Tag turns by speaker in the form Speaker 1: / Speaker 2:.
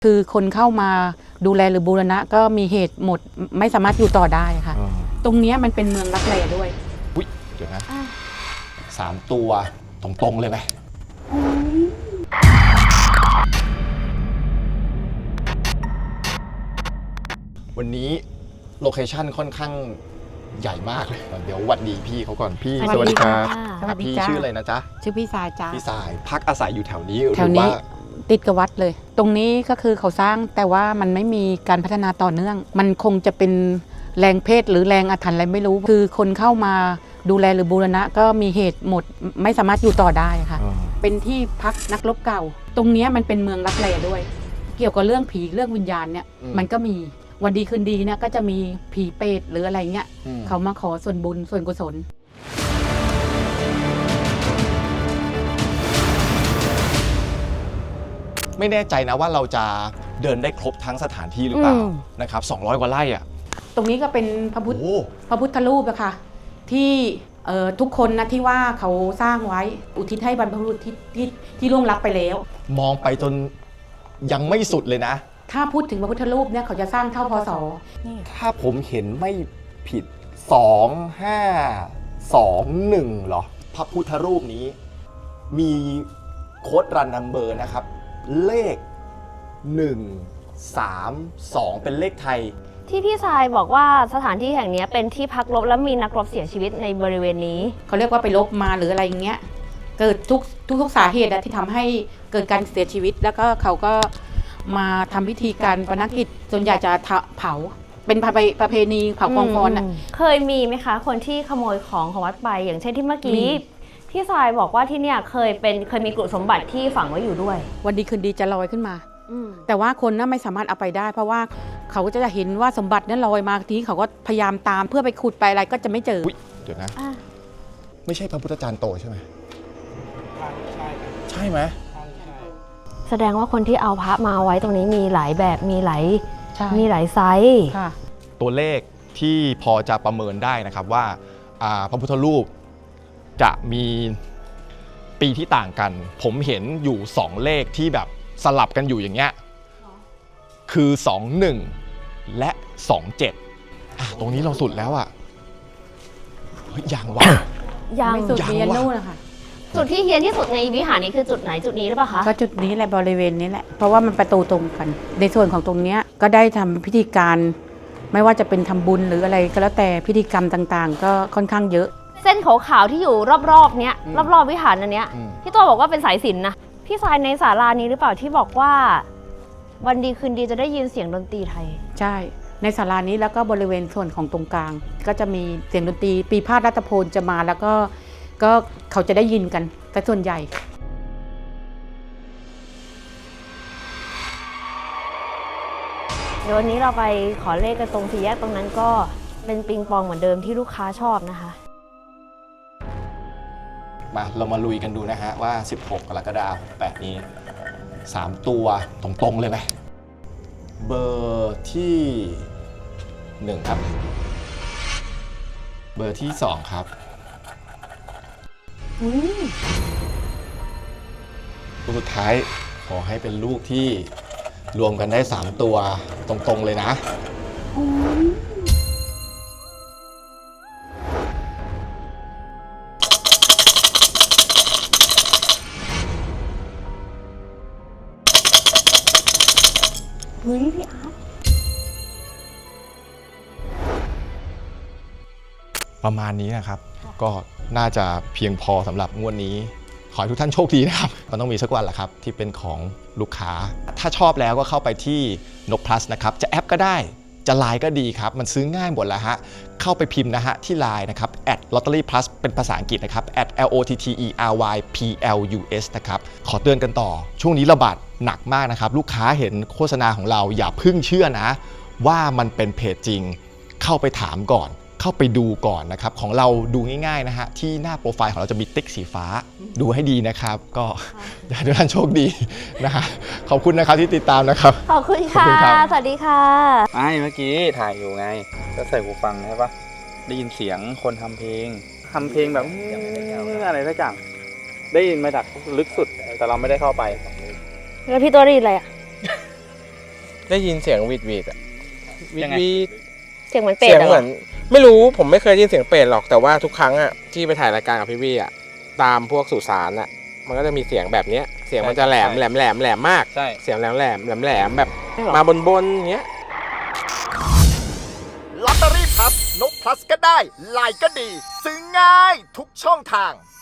Speaker 1: คือคนเข้ามาดูแลหรือบูรณะก็มีเหตุหมดไม่สามารถอยู่ต่อได้ค่ะตรงนี้มันเป็นเมืองลับแลด้วย
Speaker 2: อุ๊ยเดี๋ยวนะ3 ตัวตรงๆเลยไหมวันนี้โลเคชั่นค่อนข้างใหญ่มากเลยเดี๋ยวหวัดดีพี่เขาก่อนพี่สวัสดีครับพี่ชื่ออะไรนะจ๊ะ
Speaker 1: ชื่อพี่สายจ้า
Speaker 2: พี่สายพักอาศัยอยู่แถวนี้
Speaker 1: ติดกับวัดเลยตรงนี้ก็คือเขาสร้างแต่ว่ามันไม่มีการพัฒนาต่อเนื่องมันคงจะเป็นแรงเพศหรือแรงอาถรรพ์อะไรไม่รู้คือคนเข้ามาดูแลหรือบูรณะก็มีเหตุหมดไม่สามารถอยู่ต่อได้ค่ะเป็นที่พักนักรบเก่าตรงนี้มันเป็นเมืองลับแลด้วย เกี่ยวกับเรื่องผีเรื่องวิญญาณเนี่ยมันก็มีวันดีคืนดีเนี่ยก็จะมีผีเปรตหรืออะไรเงี้ยเขามาขอส่วนบุญส่วนกุศล
Speaker 2: ไม่แน่ใจนะว่าเราจะเดินได้ครบทั้งสถานที่หรือเปล่านะครับ200 กว่าไร่อะ
Speaker 1: ตรงนี้ก็เป็นพระพุทธรูปอะค่ะที่ทุกคนนะที่ว่าเขาสร้างไว้อุทิศให้บรรพบุรุษที่ล่วงลับไปแล้ว
Speaker 2: มองไปจนยังไม่สุดเลยนะ
Speaker 1: ถ้าพูดถึงพระพุทธรูปเนี่ยเขาจะสร้างเท่าพศ
Speaker 2: ถ้าผมเห็นไม่ผิด2521เหรอพระพุทธรูปนี้มีโค้ดรันนัมเบอร์นะครับเลข132เป็นเลขไทย
Speaker 3: ที่พี่ชายบอกว่าสถานที่แห่งนี้เป็นที่พักรบและมีนักรบเสียชีวิตในบริเวณนี้
Speaker 1: เขาเรียกว่าไปรบมาหรืออะไรอย่างเงี้ยเกิดทุกสาเหตุที่ทำให้เกิดการเสียชีวิตแล้วก็เขาก็มาทำพิธีการปนกิจส่วนใหญ่จะเผาเป็นประเพณีเผากองฟอน
Speaker 3: เคยมีไหมคะคนที่ขโมยของวัดไปอย่างเช่นที่เมื่อกี้พี่ชายบอกว่าที่เนี่ยเคยมีกลุ่มสมบัติที่ฝังไว้อยู่ด้วย
Speaker 1: วันดีคืนดีจะลอยขึ้นมาแต่ว่าคนน่ะไม่สามารถเอาไปได้เพราะว่าเขาก็จะเห็นว่าสมบัตินั้นลอยมาทีนี้เขาก็พยายามตามเพื่อไปขุดไปอะไรก็จะไม่เจอ
Speaker 2: เดี๋ยวนะไม่ใช่พระพุทธจารย์โตใช่ไหมใช่ไหม
Speaker 3: แสดงว่าคนที่เอาพระมาไว้ตรงนี้มีหลายแบบมีหลายไซส์
Speaker 2: ตัวเลขที่พอจะประเมินได้นะครับว่าพระพุทธรูปจะมีปีที่ต่างกันผมเห็นอยู่2เลขที่แบบสลับกันอยู่อย่างเงี้ยคือ21และ27ตรงนี้เราสุดแล้วอ่ะยังวะ
Speaker 1: ยังไม่สุดเฮียนนู่นนะคะ
Speaker 3: จุดที่เฮียนที่สุดในวิหารนี้คือจุดไหนจุดนี้หรือเปล่าคะ
Speaker 1: ก็จุดนี้แหละบริเวณนี้แหละเพราะว่ามันประตูตรงกันในส่วนของตรงนี้ก็ได้ทำพิธีการไม่ว่าจะเป็นทำบุญหรืออะไรก็แล้วแต่พิธีกรรมต่างๆก็ค่อนข้างเยอะ
Speaker 3: เส้นขาวๆที่อยู่รอบๆเนี้ยรอบๆวิหารอันเนี้ยพี่ตัวบอกว่าเป็นสายสิญจน์นะพี่ชายในศาลานี้หรือเปล่าที่บอกว่าวันดีคืนดีจะได้ยินเสียงดนตรีไทย
Speaker 1: ใช่ในศาลานี้แล้วก็บริเวณส่วนของตรงกลางก็จะมีเสียงดนตรีปีพาทรัตพลจะมาแล้วก็เขาจะได้ยินกันแต่ส่วนใหญ่
Speaker 3: เดี๋ยววันนี้เราไปขอเลขกันตรงสี่แยกตรงนั้นก็เป็นปิงปองเหมือนเดิมที่ลูกค้าชอบนะคะ
Speaker 2: มาเรามาลุยกันดูนะฮะว่า16 กรกฎาคม68นี้3 ตัวตรงๆเลยไหมเบอร์ที่1ครับเบอร์ที่2ครับตัวสุดท้ายขอให้เป็นลูกที่รวมกันได้3 ตัวตรงๆเลยนะ
Speaker 3: เฮ้ยพี่อาร์ต
Speaker 2: ประมาณนี้นะครับก็น่าจะเพียงพอสำหรับงวดนี้ขอให้ทุกท่านโชคดีนะครับมันต้องมีสักวันแหละครับที่เป็นของลูกค้าถ้าชอบแล้วก็เข้าไปที่นก plus นะครับจะแอปก็ได้จะไลน์ก็ดีครับมันซื้อง่ายหมดแล้วฮะเข้าไปพิมพ์นะฮะที่ไลน์นะครับ @lotteryplus เป็นภาษาอังกฤษนะครับ @LOTTERYPLUS นะครับขอเตือนกันต่อช่วงนี้ระบาดหนักมากนะครับลูกค้าเห็นโฆษณาของเราอย่าเพิ่งเชื่อนะว่ามันเป็นเพจจริงเข้าไปถามก่อนเข้าไปดูก่อนนะครับของเราดูง่ายๆนะฮะที่หน้าโปรไฟล์ของเราจะมีติ๊กสีฟ้าดูให้ดีนะครับก็อยากให้ทุกท่านโชคดีนะฮะขอบคุณนะครับที่ติดตามนะครับ
Speaker 3: ขอบคุณค่ะสวัสดีค่ะ
Speaker 4: ไม่เมื่อกี้ถ่ายอยู่ไงก็ใส่หูฟังใช่ปะได้ยินเสียงคนทำเพลงแบบอะไรสักอย่างได้ยินมาจากลึกสุดแต่เราไม่ได้เข้าไป
Speaker 3: แล้วพี่ตัวได้ยินอะไรอ่ะ
Speaker 5: ได้ยินเสียงหวีดอะหวี
Speaker 4: ยังไง
Speaker 5: ด
Speaker 3: เสียงเหมือนเป็ด
Speaker 5: เสียง
Speaker 3: อะ
Speaker 5: เหมือนไม่รู้ผมไม่เคยได้ยินเสียงเป็ดหรอกแต่ว่าทุกครั้งอะที่ไปถ่ายรายการกับพี่วี่อะตามพวกสุสานอะมันก็จะมีเสียงแบบเนี้ยเสียงมันจะแหลมมาก
Speaker 4: ใช่
Speaker 5: เสียงแหลมแบบมาบนอย่างเงี้ย
Speaker 6: ลอตเตอรี่พลัสนกพลัสก็ได้ไลน์ก็ดี ซื้อง่ายทุกช่องทาง